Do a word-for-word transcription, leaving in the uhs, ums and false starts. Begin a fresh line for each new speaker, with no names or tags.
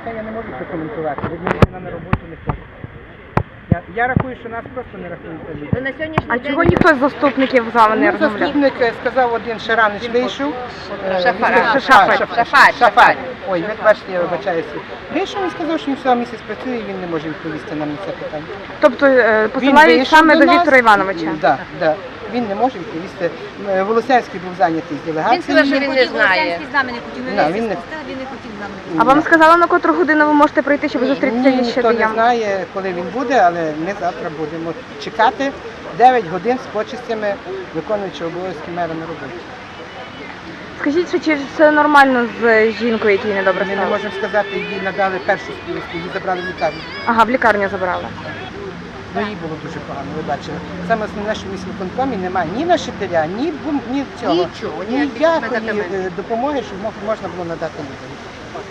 це я не можу прокоментувати. Ви мені на роботу не ходите. Я, я рахую, що нас просто не рахують за людей.
На сьогоднішній
А
день
чого ніхто з заступників з вами не
Ну,
розмовляв?
заступник е, сказав один Шаранич вийшов. е,
Шафар.
він сказав-
Шафар.
а, Шафар.
Шафар,
Шафар.
Шафар.
Ой, ви бачите, я вибачаюся. Вийшов і сказав, що він всього місяць працює і він не може відповісти нам на це питання.
Тобто е,
Він
посилають
вийшов
саме до
нас.
Віктора Івановича?
Да, да. Він не може відповісти. Е, Волосянський був зайнятий з делегацією.
Він сказав, що він не знає.
з нами не хотів, ми
Да,
весь
він не-
спустили, він не хотів з нами.
А вам сказали, на котру годину ви можете прийти, щоб
Ні,
зустрітися із
ніхто не
Щадоєм?
знає, коли він буде, але ми завтра будемо чекати дев'ять годин з почестями виконуючого обов'язки мера на роботі.
Скажіть, що чи все нормально з жінкою, якій недобре
Ми не
стало?
можемо сказати, їй надали першу співку, її забрали в лікарню.
Ага, в лікарню забрали.
Ну їй було дуже погано, ви бачили. Саме основне, що в міськвиконкомі немає ні нашителя, ні, бум- ні цього,
Нічого, ніяких
ніякої
медикаментів.
е, допомоги, щоб мог- можна було надати людям.